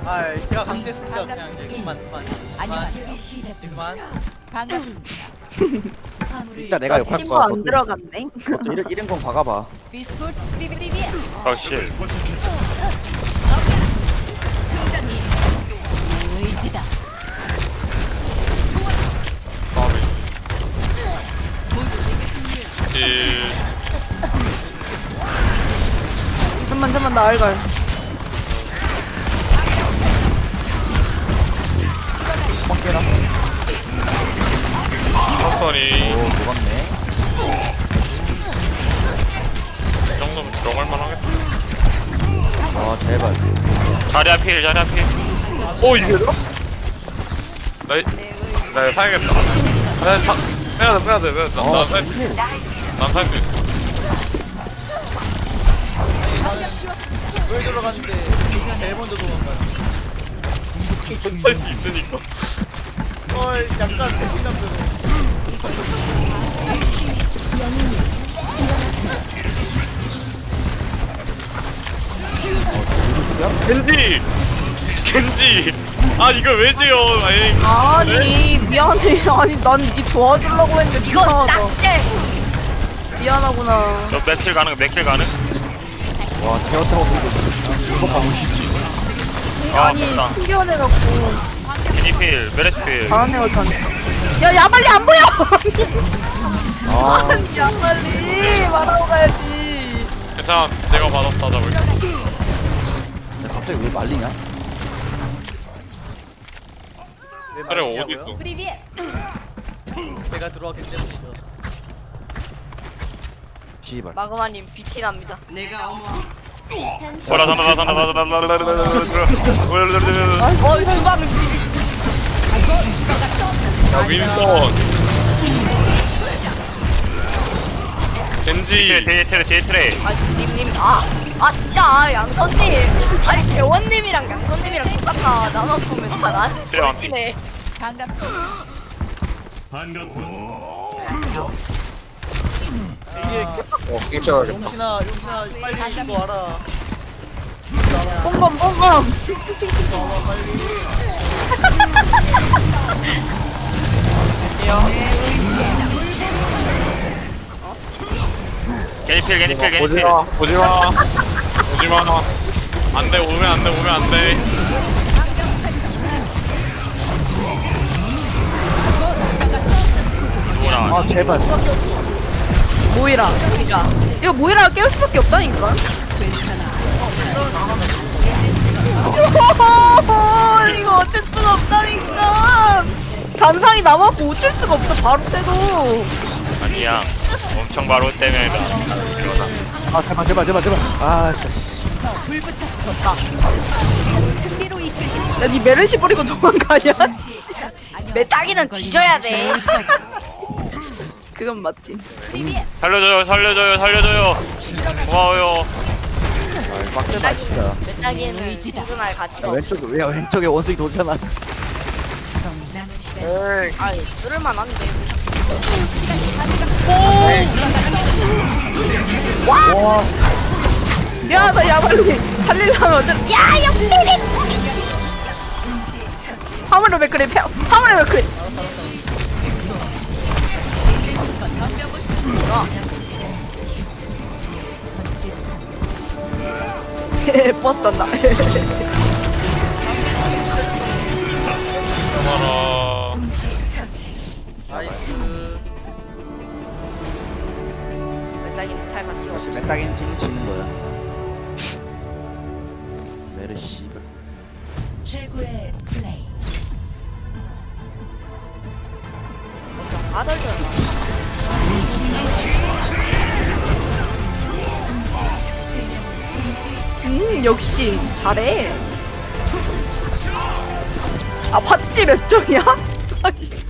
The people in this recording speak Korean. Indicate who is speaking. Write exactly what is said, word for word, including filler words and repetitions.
Speaker 1: 아 제가 강퇴했으니까 그냥 이제 그만 그만 그만 그만.
Speaker 2: 반갑습니다.
Speaker 3: 이따 내가 욕할
Speaker 4: 친구
Speaker 3: 거야.
Speaker 4: 안 들어갔네.
Speaker 3: 또 이런 이런 건 박아봐.
Speaker 2: 비스코트 비비비비.
Speaker 5: 아씨
Speaker 2: 의지다.
Speaker 5: 마음이 이
Speaker 4: 잠만 잠만 나 알갈.
Speaker 3: 빡 깨라.
Speaker 5: 천천히
Speaker 3: 오 녹았네.
Speaker 5: 이 정도면 들어갈만 하겠다.
Speaker 3: 아 제발.
Speaker 5: 자리 앞필 자리 앞필. 오 이게 들어? 나, 이- 나 이거 사야겠다. 나 사, 빼야 돼 빼야 돼 빼야 돼. 난,
Speaker 3: 어,
Speaker 5: 난 살,
Speaker 3: 힐.
Speaker 5: 난살 수 있어.
Speaker 1: 왜 들어갔는데 제일 먼저 도망가요.
Speaker 5: 살수 있으니까.
Speaker 1: 어이 약간 배신감도.
Speaker 5: 겐지! 겐지! 아 이걸 왜 지어? 에이.
Speaker 4: 아니 미안해. 아니 난니 도와주려고 했는데
Speaker 6: 이거
Speaker 4: 미안하다.
Speaker 6: 딱대
Speaker 4: 미안하구나.
Speaker 5: 너 맥킬 가능? 맥킬 가능?
Speaker 3: 와 태워 태워 들고. 이거 가고 싶지.
Speaker 5: 아
Speaker 4: 아니
Speaker 5: 됐다.
Speaker 4: 튕겨내갖고
Speaker 5: 겐지필 메레스필.
Speaker 4: 잘하네 어쩌네. 야 야말리 안 보여.
Speaker 3: 아
Speaker 4: 아니 야말리 말하고 가야지.
Speaker 5: 괜찮아 내가 받았다 잡을게.
Speaker 3: 야, 갑자기 왜 말리냐?
Speaker 1: 왜
Speaker 5: 그래
Speaker 1: 말이냐고요?
Speaker 5: 어딨어?
Speaker 2: 프리비에.
Speaker 1: 제가 들어왔기 때문이죠.
Speaker 3: 씨발.
Speaker 6: 마그마님 빛이 납니다.
Speaker 5: 보라 산다 산다 산다 산다
Speaker 6: 어 주방을
Speaker 5: 야 윈스턴 겐지 뒤에 트레 뒤에 트레.
Speaker 6: 아 님님 아아 진짜 양선님 아니 재원님이랑 양선님이랑 똑같아 나만 보면 다 나한테
Speaker 5: 그래, 맞지.
Speaker 6: 쫄지네.
Speaker 2: 반갑습니다.
Speaker 1: 이게
Speaker 5: 어 킹쳐야겠다.
Speaker 1: 용신아 용신아 빨리 신고 와라.
Speaker 4: 뽕검 뽕검.
Speaker 5: 겐지필 겐지필 겐지필. 오지마 오지마. 안돼 오면 안돼 오면 안돼. 누구나.
Speaker 3: 아 제발.
Speaker 4: 모이라.
Speaker 6: 보이자.
Speaker 4: 이거 모이라가 깨울 수밖에 없다니까. 이거 어쩔 수가 없다니까. 잔상이 남았고 어쩔 수가 없어. 바로 때도.
Speaker 5: 아니야 엄청 바로 때문이다. 일어나.
Speaker 3: 아 제발 제발 제발 제발. 아 진짜.
Speaker 2: 승리로 이끌겠습니다.
Speaker 4: 야니 메르시 버리고 도망가냐?
Speaker 6: 내 딸기는 뒤져야 돼.
Speaker 4: 그건 맞지.
Speaker 5: 살려줘요 살려줘요 살려줘요. 고마워요.
Speaker 3: 아 빡대다 진짜.
Speaker 6: 내 딸기는 생존할
Speaker 3: 야
Speaker 6: 가치가 없어.
Speaker 3: 왼쪽 야 왼쪽에 원숭이 돌잖아.
Speaker 6: 아니 쓸만한데.
Speaker 3: 와.
Speaker 4: 미안하다 야말리 살리려면 어쩔. 야 역대리. 화물로 맥크리 펴. 화물로 맥크리. 버스 탄다.
Speaker 5: 고마워.
Speaker 1: 나이스.
Speaker 6: 내 딸기는 살 가치가 없어.
Speaker 3: 맨땅인 팀이 지는 거야. 메르시.
Speaker 2: 최고의 플레이.
Speaker 6: 아덜잖아.
Speaker 4: 음 역시 잘해. 아 팥지 몇 점이야? 아니.